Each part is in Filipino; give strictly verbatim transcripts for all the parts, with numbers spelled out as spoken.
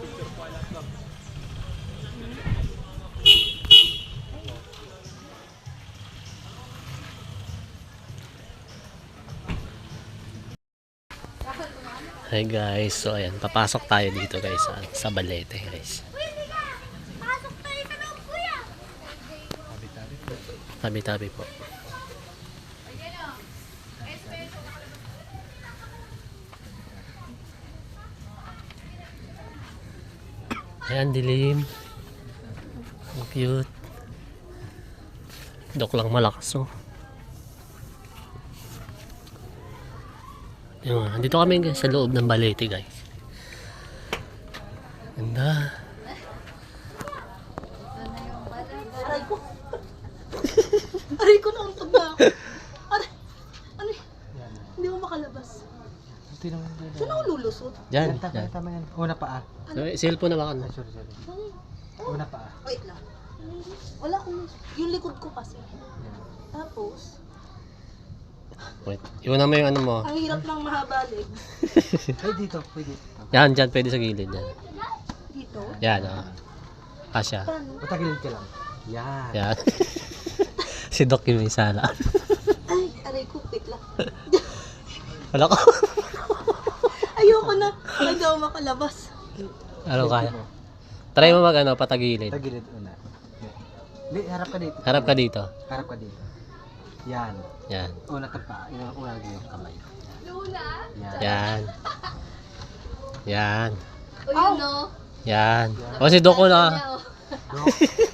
Hi guys, so ayan, papasok tayo dito guys sa, sa Balete guys. Tabi-tabi po. Ayan, dilim. Ang cute. Dok lang malakas oh. Yun, dito kami guys, sa loob ng Balete guys. Ganda. Aray ko. Aray ko, nauntog na ako. Aray. Ano y- Hindi ko makalabas. Saan ako lulusot? Yan, Tama, yan. tama yan. Una pa ah. So, cellphone na baka na. Sorry, sorry. Oh, Una pa ah. wait lang. Wala akong... Yung likod ko kasi. Yan. Tapos, Wait, iwan mo yung ano mo. ang hirap ng mahaba leg. Ay, dito. Pwede. Yan, dyan, pwede sa gilid yan. Dito. Yan, oh. Kasya. Paano? Patagilid ka lang. Yan. Yan. Si Doc yung may sala. Ay, aray ko, wait lang. Wala ko. Ayoko na. Hindi ako makalabas. Ano kaya? Try mo mag ano, patagilid. Patagilid una. Hindi, harap ka dito. Harap ka dito. Harap ka dito. Yan. Yan. Una ka pa. Una, una lagi yung kamay. Yan. Yan. Yan. O yun, no? Yan. O si Doc ko na. No.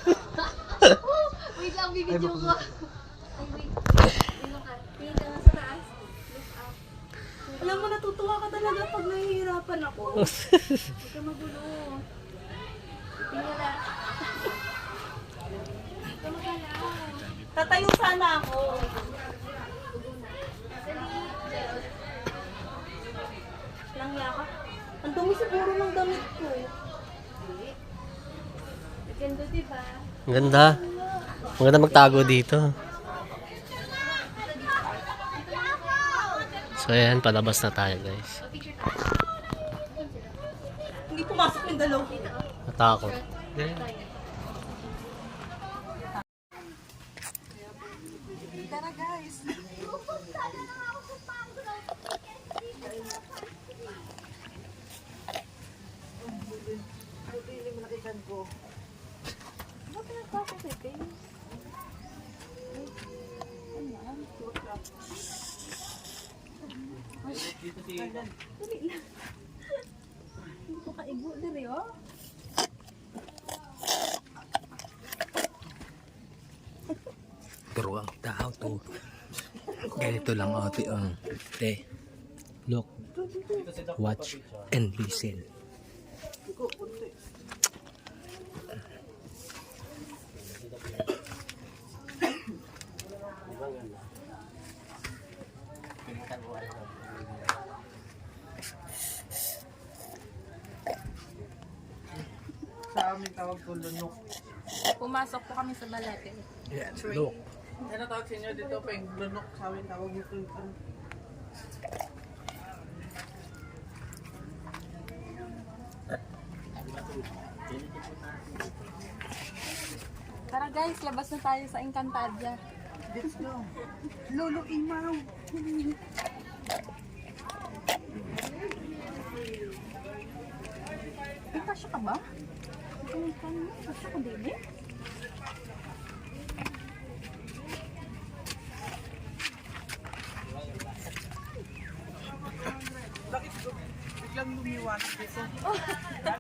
Wait lang, Ay, bibidyo baka- ko. Ay, wait. Tingnan ka. Tingnan ka nga sa taas. Look up. Alam mo, natutuwa ka talaga pag nahihirapan ako. Huwag ka magulo. Tingnan na. Tatayo sana ako. Lang yaka. Ang dumi siguro ng damit ko. Ganda, diba? Ang ganda. Ang ganda magtago dito. So ayan, palabas na tayo guys. Hindi pumasok yung dalaw. Natakot. Tara guys. Hindi ko kaigo diri oh. Pero ang tao to. Ganito lang ate ang. Te. Look. Watch and listen. Sa amin tawag ko lunok. Pumasok po kami sa Balete. Yan. Look. Ano tawag sa inyo dito? Peng lunok. Sa amin tawag dito. Ano? Tara guys, labas na tayo sa Encantadia. Let's go. Lolo Imaw. Ay, kasya ka ba? Ay, kasya ka, baby? Bakit biglang lumiwanag dito?